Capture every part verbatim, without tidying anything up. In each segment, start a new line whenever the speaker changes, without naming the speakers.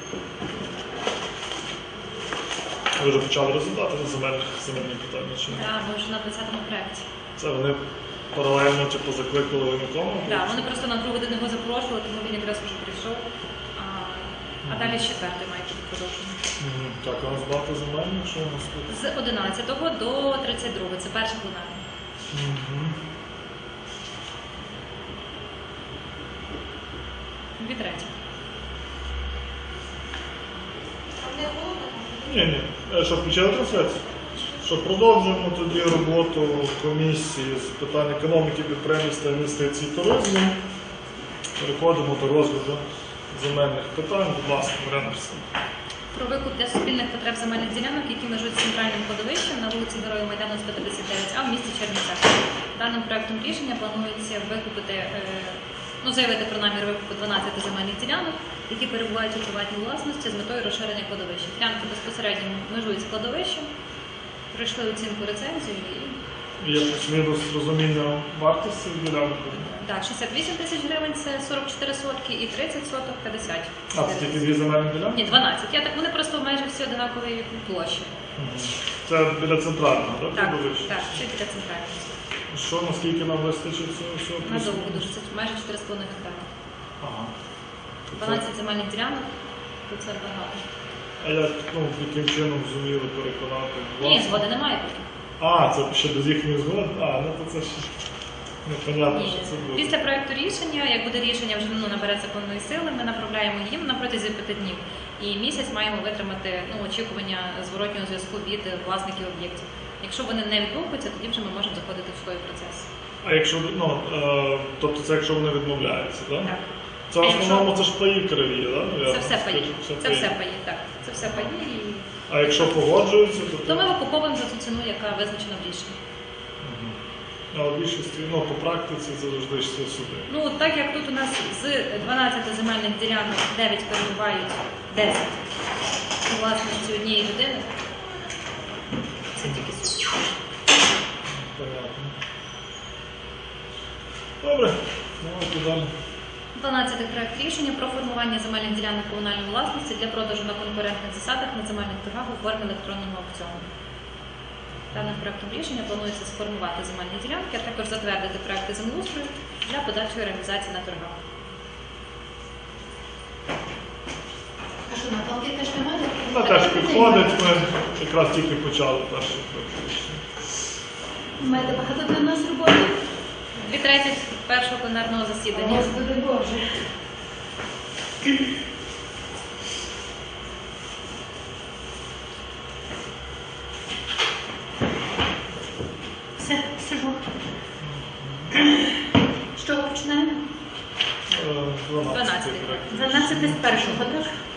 Ви вже почали розглядати на земельних земельні питання? Чи?
Так, ми вже на двадцятому проєкті.
Це вони паралельно типу, закликали воєнкому?
Так, вони просто на другу годину його запрошували, тому він якраз вже прийшов. А, а далі з четвертої має бути продовження.
Угу. Так, а у нас багато земельних, що у нас тут?
З одинадцятого до тридцять другого. Це перша пленарна.
Угу.
Дві треті.
Ні, ні. Що, включили трансляцію? Що, продовжуємо тоді роботу комісії з питань економіки, підприємництва, інвестицій та туризму. Переходимо до розгляду земельних питань. Будь ласка, Марина Арсенівна.
Про викуп для суспільних потреб земельних ділянок, які межують з центральним кладовищем на вулиці Героїв Майдану сто п'ятдесят дев'ять А в місті Чернівцях. Даним проектом рішення планується викупити, ну, заявити про намір викупу дванадцяти земельних ділянок, які перебувають у приватній власності з метою розширення кладовища. Ділянки безпосередньо межують з кладовищем, пройшли оцінку рецензію і...
Є плюс-мінус розуміння вартості ділянки?
Так, шістдесят вісім тисяч гривень – це сорок чотири сотки і тридцять соток – п'ятдесят.
А, це тільки дві земельні ділянки?
Ні, дванадцять. Я так, вони просто майже всі однакової площі.
Угу. Це біля центрального, так?
Так,
кладовища?
так, це біля центрального.
Що, наскільки нам вистачить цього всього?
Надовго дуже, це майже чотири з половиною гектари.
Ага.
дванадцять земельних ділянок, то це багато.
А як, ну, яким чином зуміли переконати?
Ні, згоди немає поки.
А, це ще без їхньої згоди? А, ну то це ще непонятно,
Ні.
що це буде.
Після проєкту рішення, як буде рішення вже ну, набере законної сили, ми направляємо їм на протязі п'яти днів. І місяць маємо витримати ну, очікування зворотнього зв'язку від власників об'єктів. Якщо вони не відгукуються, тоді вже ми можемо заходити в свій процес.
А якщо, ну, е, тобто це якщо вони відмовляються, так?
Так.
Це в основному це ж паї криві, так?
Це все паї. Це все паї, так. Це все паї. І...
А якщо погоджуються, то...
То ми викуповуємо за ту ціну, яка визначена в рішенні.
Угу. А в більшості, ну, по практиці це завжди йшли суди.
Ну, так як тут у нас з дванадцяти земельних ділянок дев'ять перебувають десять у власності однієї людини, це тільки суд.
Понятно. Добре, давайте далі.
дванадцятий проект рішення про формування земельних ділянок комунальної власності для продажу на конкурентних засадах на земельних торгах у формі електронного аукціону. Даним проектом рішення планується сформувати земельні ділянки, а також затвердити проекти землеустрою для подальшої реалізації на торгах.
А що, Наталки теж немає?
Вона теж підходить, ми якраз тільки почали перший проект рішення.
Маєте багато для нас роботи?
Дві треті першого пленарного засідання.
Господи Боже. Все, сижу. З чого починаємо?
Е, дванадцятий проект.
дванадцяте з першого, так?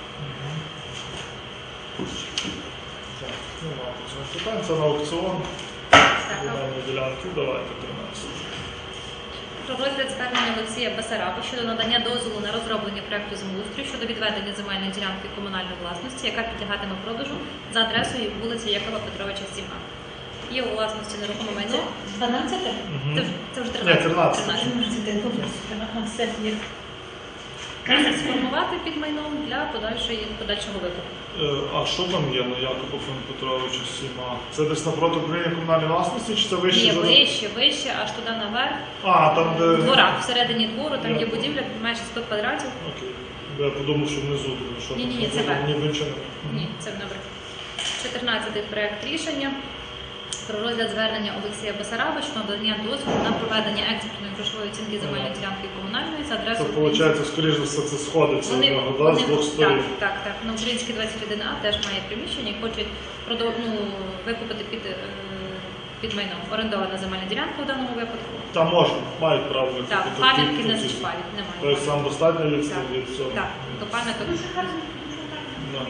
Так, ну ладно, це питання, це на аукціон. Земельні ділянки, давайте тринадцять.
Про розгляд звернення Олексія Басараба щодо надання дозволу на розроблення проекту землеустрою щодо відведення земельної ділянки комунальної власності, яка підлягатиме продажу за адресою вулиця Якова Петровича, сім А. Є у власності нерухоме майно.
дванадцяте?
Угу.
Це, вже- це вже
Ні,
тринадцяте.
тринадцяте.
тринадцяте, добре. Ага, все є.
Треба сформувати під майном для подальшої, подальшого викупу.
Е, А що там є на Якова Петровича сіма? Це десь напроти управління комунальної власності, чи це вище?
Є
за-
вище, вище, аж туди наверх.
А, там де...
В дворах, всередині двору, там є
Я-
будівля майже сто квадратів.
Окей. Бо я подумав, що внизу, тому що...
Ні, ні, ні,
там
це верх.
Ні, нічого не...
Ні, це наверх. чотирнадцятий проект рішення про розгляд звернення Олексія Басараба щодо надання дозволу на проведення експертної грошової оцінки земельної ділянки комунальної за
Це,
адресою.
виходить, скоріш за все, це сходиться в
Вони,
нього, да,
вони,
з двох сторін.
так, так, так. На Українській двадцять один А теж має приміщення і хочуть продов... ну, викупити під, е, під майном. Орендована земельна ділянка в даному випадку.
Там можна, мають право викупити.
Так,
Ті-
пам'ятки
ті-
не
ті-
зачіпають, немає.
Тобто сам достатньо від
Так,
від цього.
так, до пам'яток.
Да.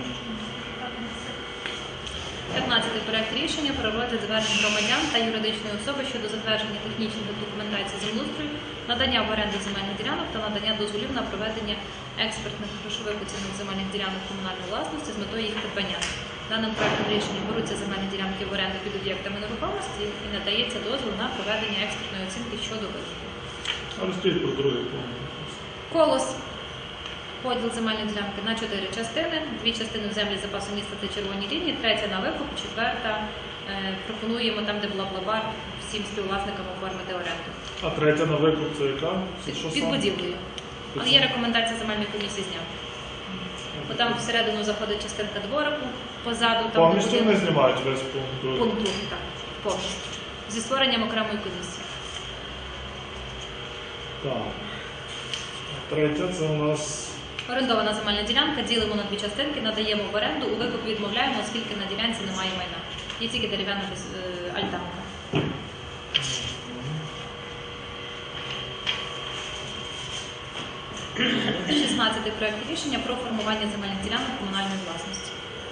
п'ятнадцятий проект рішення про розгляд звернень громадян та юридичної особи щодо затвердження технічної документації землеустрою, надання в оренду земельних ділянок та надання дозволів на проведення експертних грошових оцінок земельних ділянок комунальної власності з метою їх придбання. Даним проектом рішення беруться земельні ділянки в оренду під об'єктами нерухомості і надається дозвіл на проведення експертної оцінки щодо викупу.
А розкажіть про другий пункт.
Колос. поділ земельної ділянки на чотири частини. Дві частини в землі запасу міста та червоні лінії, третя на викуп, четверта е, пропонуємо там, де була бла-бар, всім співвласникам оформити оренду.
А третя на викуп це яка? Це
Під,
що
під
саме?
будівлею. Але є рекомендація земельної комісії зняти. Бо там всередину заходить частинка дворику, позаду там
Повністю
буде
вони знімають весь пункт. другий.
пункт другий, так, повністю. Зі створенням окремої комісії.
Так. А третя це у нас
Орендована земельна ділянка, ділимо на дві частинки, надаємо в оренду, у викуп відмовляємо, оскільки на ділянці немає майна. Є тільки дерев'яна без- е, альтанка. шістнадцятий проект рішення про формування земельних ділянок комунальної власності.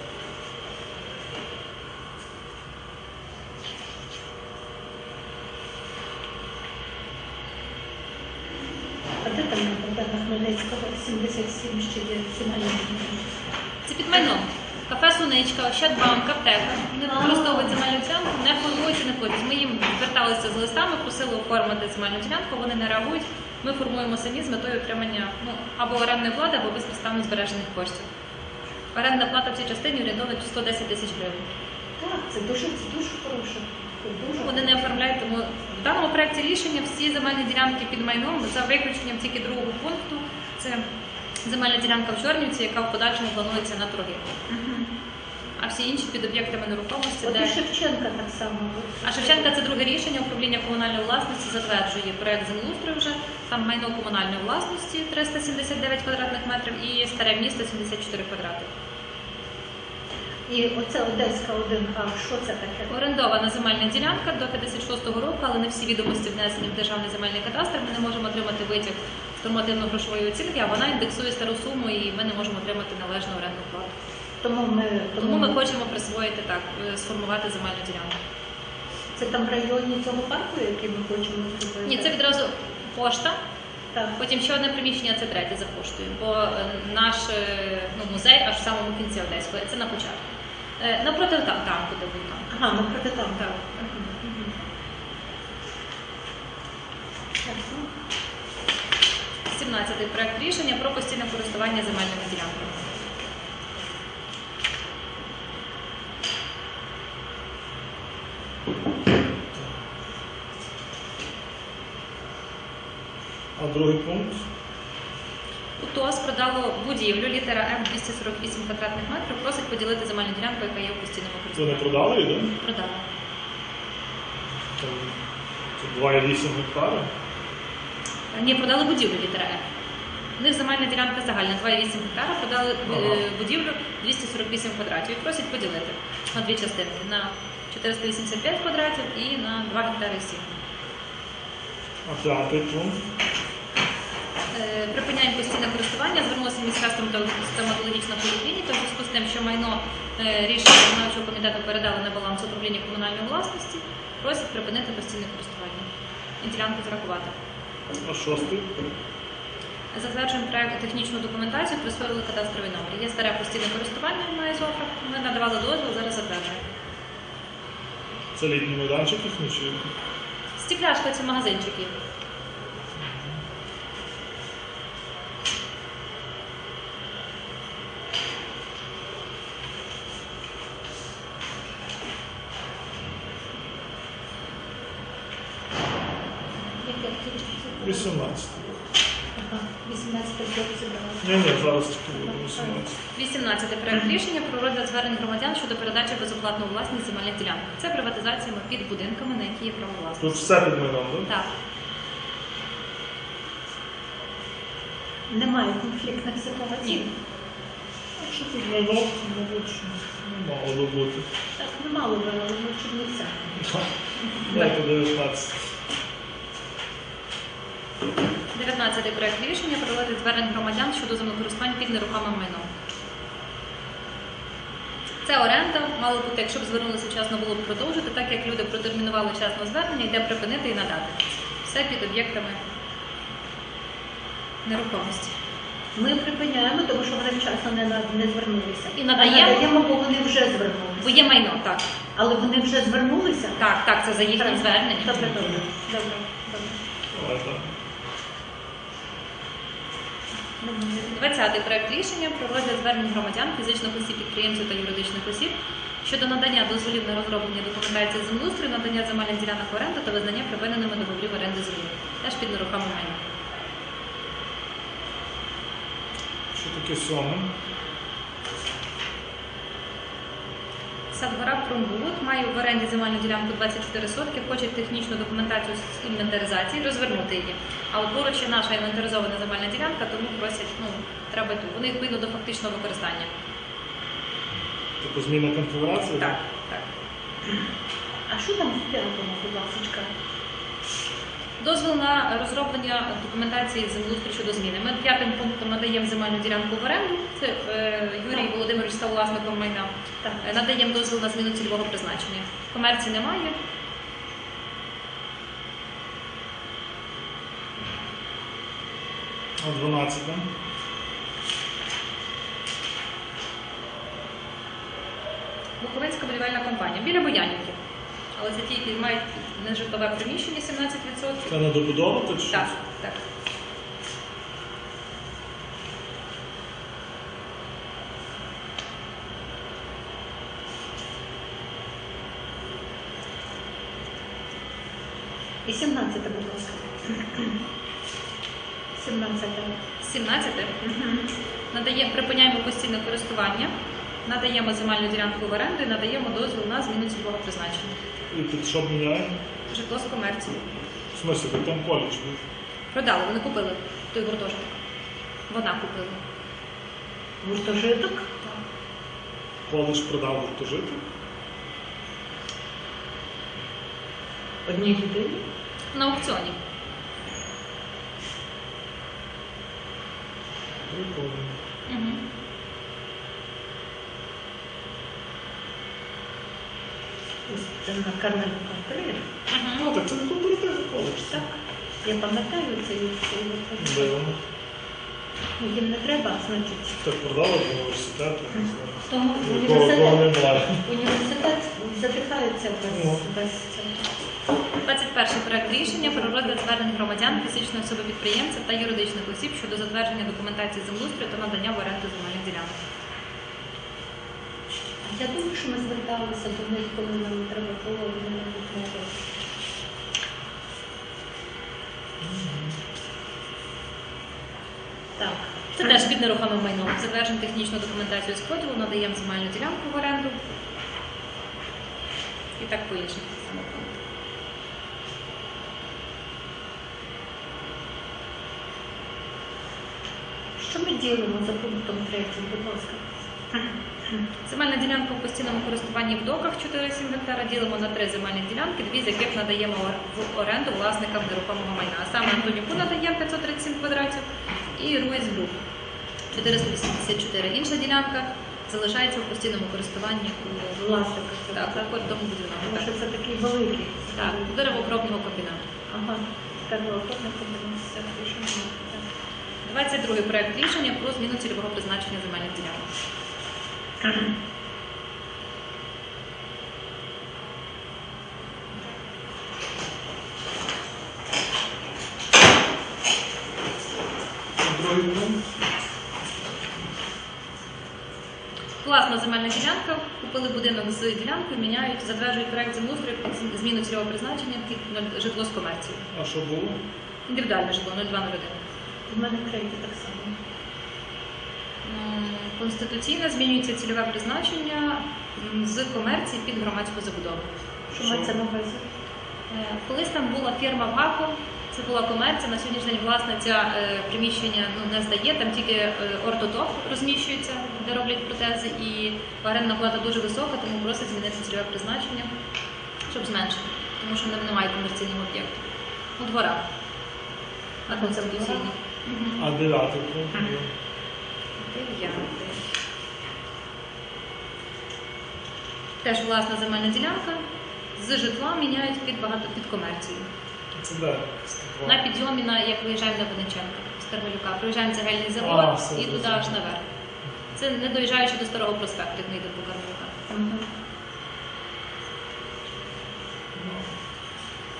А де там на Богдана Хмельницького сімдесят сім ще є земельні ділянки?
Це під майном. Кафе Суничка, Ощадбанк, аптека. Вони використовують земельну ділянку, не формуються, не ходять. Ми їм зверталися з листами, просили оформити земельну ділянку, вони не реагують. Ми формуємо самі з метою отримання ну, або орендної плати, або безпідставно збережених коштів. Орендна плата в цій частині орієнтовна сто десять тисяч гривень.
Так, це дуже, це дуже хороше. Це дуже
Вони не оформляють, тому в даному проєкті рішення всі земельні ділянки під майном, за виключенням тільки другого пункту, це земельна ділянка в Чорнівці, яка в подальшому планується на торги. А всі інші під об'єктами нерухомості,
От
де...
і Шевченка так само.
А Шевченка це друге рішення, управління комунальної власності затверджує проєкт землеустрою вже, там майно комунальної власності триста сімдесят дев'ять квадратних метрів і старе місто сімдесят чотири квадрати.
І оце Одеська один А, що це таке?
Орендована земельна ділянка до п'ятдесят шостого року, але не всі відомості внесені в державний земельний кадастр. Ми не можемо отримати витяг з нормативно-грошової оцінки, а вона індексує стару суму і ми не можемо отримати належну орендну плату.
Тому ми,
Тому ми хочемо присвоїти так, е, сформувати земельну ділянку.
Це там в районі цього парку, який ми хочемо зробити?
Ні, це відразу пошта.
Так.
Потім ще одне приміщення, це третє за поштою, бо е, наш е, ну, музей аж в самому кінці Одеської, це на початку. Е, Напроти там, танку, де був танк.
Ага, ми проти там.
Так.
Так, ну,
сімнадцятий проект рішення про постійне користування земельними ділянками.
а другий пункт.
УТОС продало будівлю, літера М двісті сорок вісім квадратних метрів, просить поділити земельну ділянку, яка є у постійному
Це не
користуванні.
продали її, так?
Продала.
Там це два цілих вісім гектари.
Ні, продали будівлю літера М. У них земельна ділянка загальна два цілих вісім гектара, продали
Ага.
е, будівлю двісті сорок вісім квадратів і просять поділити на дві частинки, на чотириста вісімдесят п'ять квадратів і на два гектари сім.
А п'ятий пункт.
Е, Припиняємо постійне користування, звернулася міська стоматолог- стоматологічна поліклініка в зв'язку з тим, що майно е, рішення виконавчого комітету передали на баланс управління комунальної власності, просять припинити постійне користування і ділянку зарахувати.
А шостий.
Затверджуємо проект технічну документацію, присвоїли кадастровий номер. Є старе постійне користування на ізофрах, ми надавали дозвіл, зараз затверджуємо.
Це літній майданчик їхній чи?
Стекляшка – це магазинчики.
яке кінчиться?
вісімнадцятий.
Ага, вісімнадцяте хлопці брали.
Ні, ні, зараз тільки буде вісімнадцятий.
вісімнадцятий проект рішення про розгляд звернень громадян щодо передачі безоплатно у власність земельних ділянок. Це приватизація під будинками, на які є право власності.
Тут все під майном, так?
Так.
Немає конфліктних ситуацій?
Ні.
Якщо під майном, мабуть, що не мало би бути.
Так, немало би, але ми в Чернівцях.
Дайте дев'ятнадцять.
дев'ятнадцятий проект рішення про розгляд звернень громадян щодо землекористувань під нерухомим майном. Це оренда, мало бути, якщо б звернулися вчасно, було б продовжити, так як люди протермінували вчасно звернення, йде припинити і надати. Все під об'єктами нерухомості.
Ми припиняємо, тому що вони вчасно не, на- не звернулися.
І надаємо?
А надаємо, бо вони вже звернулися.
Бо є майно, так.
Але вони вже звернулися?
Так, так, це за їхнім
Так.
зверненням.
Добре, добре. Добре, добре.
Давайте.
Немає.
двадцятий проект рішення про розгляд звернень громадян, фізичних осіб, підприємців та юридичних осіб щодо надання дозволів на розроблення документації землеустрою, надання земельних ділянок в оренду та визнання припиненими договорів оренди землі. Теж під нерухоме майно.
Що таке сьоме?
Садгора Промбуд має в оренді земельну ділянку двадцять чотири сотки, хоче технічну документацію з інвентаризації, розвернути її. А от поруч є наша інвентаризована земельна ділянка, тому просять, ну, треба ту. Вони відповідно до фактичного використання.
Типу зміна конфігурації?
Так, так.
А що там в п'ятому, будь ласка?
Дозвіл на розроблення документації землеустрою щодо зміни. Ми п'ятим пунктом надаємо земельну ділянку в оренду. Це е, Юрій Володимирович став власником майна.
Так.
Е, Надаємо дозвіл на зміну цільового призначення. Комерції немає.
А дванадцяте?
Буковинська будівельна компанія. Біля Боянівки. Але це ті, які мають нежитлове приміщення сімнадцять відсотків.
Це не добудовувати чи
Так,
що?
так.
І сімнадцяте, будь ласка. Сімнадцяте.
сімнадцяте. Надаємо, припиняємо постійне користування, надаємо земельну ділянку в оренду і надаємо дозвіл на зміну цільового призначення.
І під що міняємо?
Житло з комерції.
В смысле, ви там коледж був?
Продали, вони купили той гуртожиток. Вона купила.
Гуртожиток.
Коледж продав гуртожиток?
Одній людині.
На аукціоні.
Прикольно.
Угу.
Це на Кармелюка три.
Угу.
Ну, так це не кооперативний коледж.
Так. Я пам'ятаю цей цей гуртожиток.
Дивно.
Ну, їм не треба, значить.
Так продали до університету, не знаю.
Тому
Кого кого
університет,
немає.
університет задихається без,
Ну.
без цього.
двадцять перший проект рішення про розгляд звернень громадян, фізичної особи підприємців та юридичних осіб щодо затвердження документації землеустрою та надання в оренду земельних ділянок.
Я думаю, що ми зверталися до них, коли нам треба було відмовити. Так.
Це теж під нерухомим майном. Затверджуємо технічну документацію з поділу, надаємо земельну ділянку в оренду. І так по іншим самопунктам.
Що ми ділимо за пунктом третім, будь ласка?
Земельна ділянка в постійному користуванні в доках чотири цілих сім гектара ділимо на три земельні ділянки, дві з яких надаємо в оренду власникам нерухомого майна. А саме Антонюку надаємо п'ятсот тридцять сім квадратів і Руїс Груп чотириста вісімдесят чотири. Інша ділянка залишається в постійному користуванні у
Власника.
так, так, тому будівельного.
Тому
Так,
що це такий великий.
так, деревообробного комбінату.
Ага. Деревообробний комбінат. Все, рішення. Так.
двадцять другий проект рішення про зміну цільового призначення земельних ділянок.
Другий пункт.
Власна земельна ділянка, купили будинок з ділянкою, міняють, затверджують проект землеустрою під зміну цільового призначення під нуль- житло з комерцією.
А що було?
Індивідуальне житло нуль два нуль один.
У мене третій так само.
М, Конституційно змінюється цільове призначення м, з комерції під громадську забудову.
Що мається на увазі?
Е, Колись там була фірма ВАКО, це була комерція, на сьогоднішній день власниця е, приміщення ну, не здає, там тільки е, ортодок розміщується, де роблять протези, і орендна плата дуже висока, тому просить змінити цільове призначення, щоб зменшити, тому що не- немає комерційного об'єкту. У дворах. А
Ага, це
конституційні.
двора?
Мгм.
А дев'ятий пункт.
Дев'ятий. Теж власна земельна ділянка. З житла міняють під багато під комерцію.
Це де?
На підйомі, на, як виїжджаємо на Винниченка з Кармелюка, проїжджаємо цегельний
А,
завод
все,
і туди
зрозуміло.
аж наверх. Це не доїжджаючи до Старого проспекту, як ми йдемо по Кармелюка.
Угу.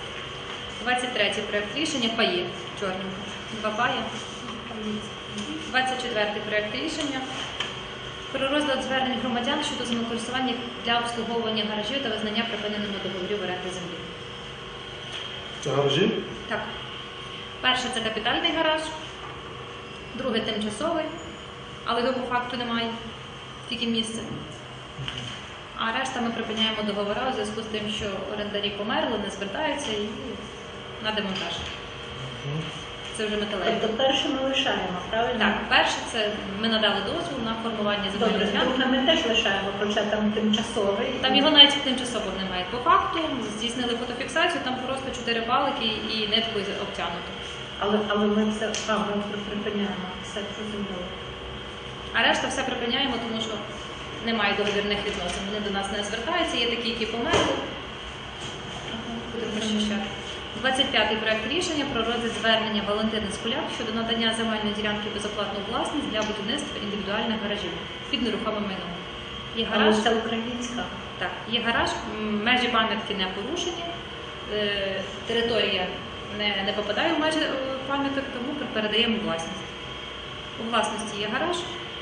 двадцять третій проект рішення паї чорненько. Два паї. двадцять четвертий проект рішення про розгляд звернень громадян щодо землекористування для обслуговування гаражів та визнання припиненими договорів оренди землі.
Це гаражі?
Так. Перше це капітальний гараж, друге тимчасовий, але його по факту немає, тільки місце. А решта ми припиняємо договори у зв'язку з тим, що орендарі померли, не звертаються і на демонтаж. Це вже металеві.
Тобто перше ми лишаємо, правильно?
Так, перше це ми надали дозвіл на формування земельної
Добре,
ділянки.
друге ми теж лишаємо, хоча там тимчасовий.
Там його навіть тимчасово немає. По факту здійснили фотофіксацію, там просто чотири палики і ниткою обтягнуто.
Але, але ми це а, ми припиняємо, все зрозуміло.
А решта все припиняємо, тому що немає договірних відносин. Вони до нас не звертаються, є такі, які померли. Будемо прощати. двадцять п'ятий проект рішення про розгляд звернення Валентини Скуляк щодо надання земельної ділянки безоплатну власність для будівництва індивідуальних гаражів під нерухомим майном. Є гараж,
Але це українська.
так, є гараж, м, межі пам'ятки не порушені, е, територія не, не попадає в межі е, пам'яток, тому передаємо у власність. У власності є гараж.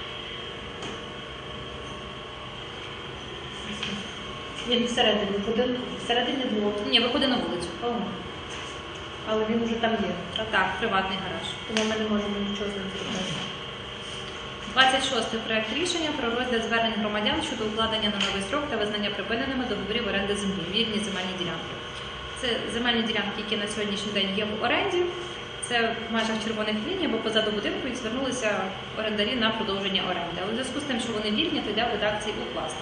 Він всередині будинку, всередині двору.
Ні, виходить на вулицю.
О, але він вже там є. Так?
Так, приватний гараж.
Тому ми не можемо нічого з ним зробити.
двадцять шостий проект рішення про розгляд звернень громадян щодо укладення на новий строк та визнання припиненими договорів оренди землі, вільні земельні ділянки. Це земельні ділянки, які на сьогоднішній день є в оренді. Це в межах червоних ліній або позаду будинку і звернулися орендарі на продовження оренди. Але в зв'язку з тим, що вони вільні, то йде в редакції укласти.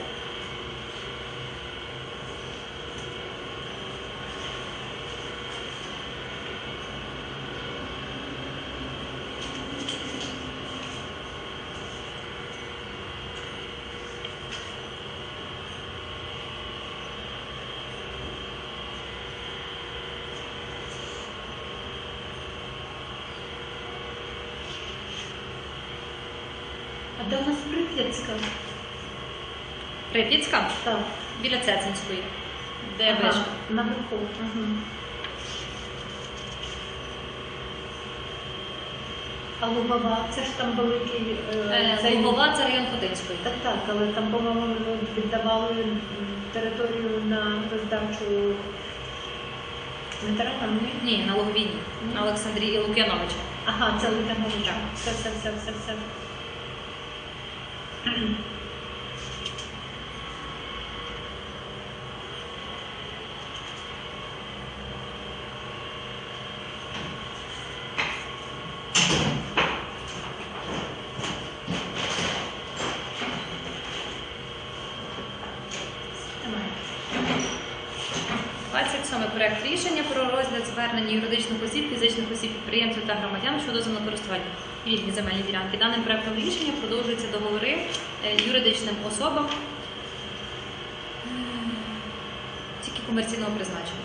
А де у нас Прип'ятська?
Прип'ятська
Так.
біля Цецинської, де
Ага,
вишка.
наверху. Угу. А Лугова, це ж там великий...
Е,
цей-
Лугова – це район Ходинської.
Так, так, але там, по-моєму, віддавали м, територію на роздачу ветеранам, ні?
Ні, на Луговіні, на Олександрії Лук'яновича.
Ага, це Лук'яновича.
Так.
Все, все, все, все, все. Немає.
двадцять сьомий проект рішення про розгляд звернення юридичних осіб, фізичних осіб, підприємців та громадян щодо землекористування вільні земельні ділянки. Даним проектом рішення продовжуються договори е, юридичним особам е, тільки комерційного призначення.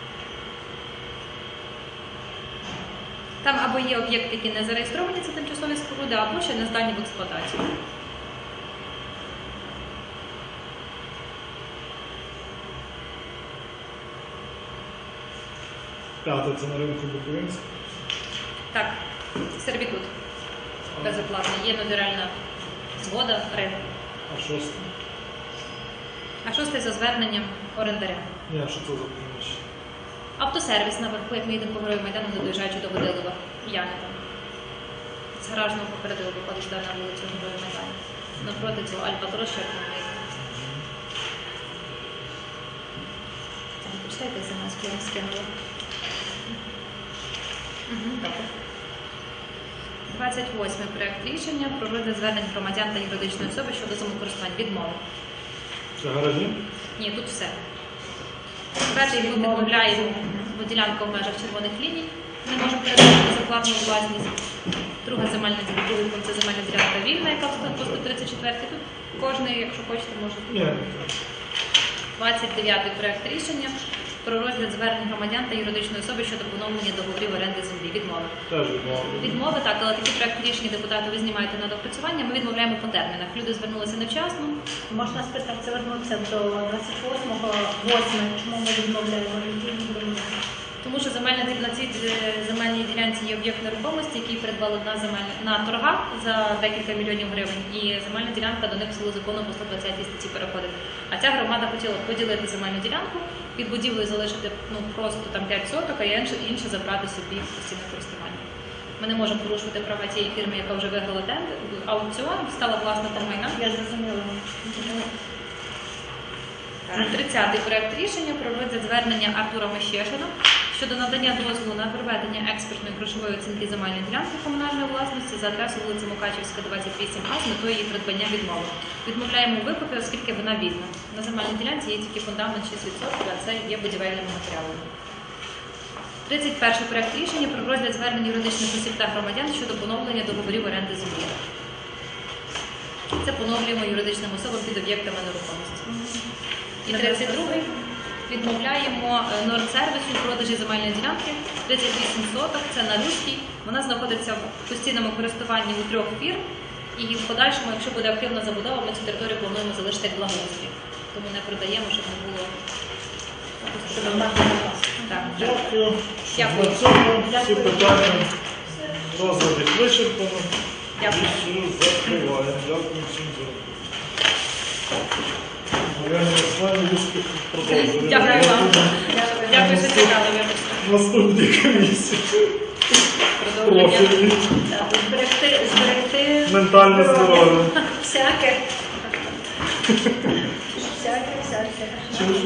Там або є об'єкти, які не зареєстровані, це тимчасові споруди, або ще не здані в експлуатацію.
П'яте це на ринку Буковинськ.
Так, сервітут безоплатний, є нотаріальна згода, ринку.
А шосте?
А шостий за зверненням орендаря.
Ні, що це за приміщення?
Автосервіс наверху, як ми їдемо по Герою Майдану, не доїжджаючи до Водилова. Яни там. З гаражного попереду виходить сюди на вулицю Герою Майдану. Напроти цього Альбатрос, що як ми їздимо. Так, почитайте смс, я вам скинула. Угу, добре. двадцять восьмий проект рішення про розгляд звернень громадян та юридичної особи щодо самокористування. Відмови.
Це гаражі?
Ні, тут все. Перший ми відмовляємо, бо ділянка в межах червоних ліній. Не можемо передати безоплатну власність. Друга земельна ділянка, це земельна ділянка вільна, яка по сто тридцять четвертій. Тут кожний, якщо хочете, може.
Ні.
двадцять дев'ятий проект рішення про розгляд звернень громадян та юридичної особи щодо поновлення договорів оренди землі. Відмови.
Теж відмовили.
Відмови, так, але такі проект рішення депутати ви знімаєте на доопрацювання, ми відмовляємо по термінах. Люди звернулися невчасно.
Можна спитати, вернутися до двадцять восьмого, восьмого, чому ми відмовляємо людей?
Тому що земельна ді- на цій е, земельній ділянці є об'єкт нерухомості, який придбали на земель на торгах за декілька мільйонів гривень, і земельна ділянка до них в силу закону по сто двадцятій статті переходить. А ця громада хотіла поділити земельну ділянку, під будівлею залишити ну просто там п'ять соток, а інше, інше забрати собі в постійне користування. Ми не можемо порушувати права тієї фірми, яка вже виграла тендер, аукціон, стала власником майна.
Я зрозуміла.
тридцятий проект рішення про розгляд звернення Артура Мещешина щодо надання дозволу на проведення експертної грошової оцінки земельної ділянки комунальної власності за адресою вулиця Мукачівська, двадцять вісім А з метою її придбання відмови. Відмовляємо у викупі, оскільки вона вільна. На земельній ділянці є тільки фундамент шість відсотків, а це є будівельними матеріалами. тридцять перший проект рішення про розгляд звернень юридичних осіб та громадян щодо поновлення договорів оренди землі. Це поновлюємо юридичним особам під об'єктами нерухомості. І тридцять другий відмовляємо е, Нордсервісу у продажі земельної ділянки тридцять вісім соток, це на Руській. Вона знаходиться в постійному користуванні у трьох фірм. І в подальшому, якщо буде активна забудова, ми цю територію плануємо залишити як благоустрій. Тому не продаємо, щоб не було.
Щоб мати запас.
Так, так.
Дякую.
Дякую.
На цьому всі
Дякую.
питання розгляд їх вичерпано.
Дякую.
І все закриваємо. Дякую всім за роботу. Мар'яна Ярославівна, успіх продовжує.
Дякую вам. Дякую, що чекали.
Наступні комісії.
Продовження.
Профільні.
Так, Зберегти, зберегти
Ментальне здоров'я.
всяке. Всяке, всяке.
Чи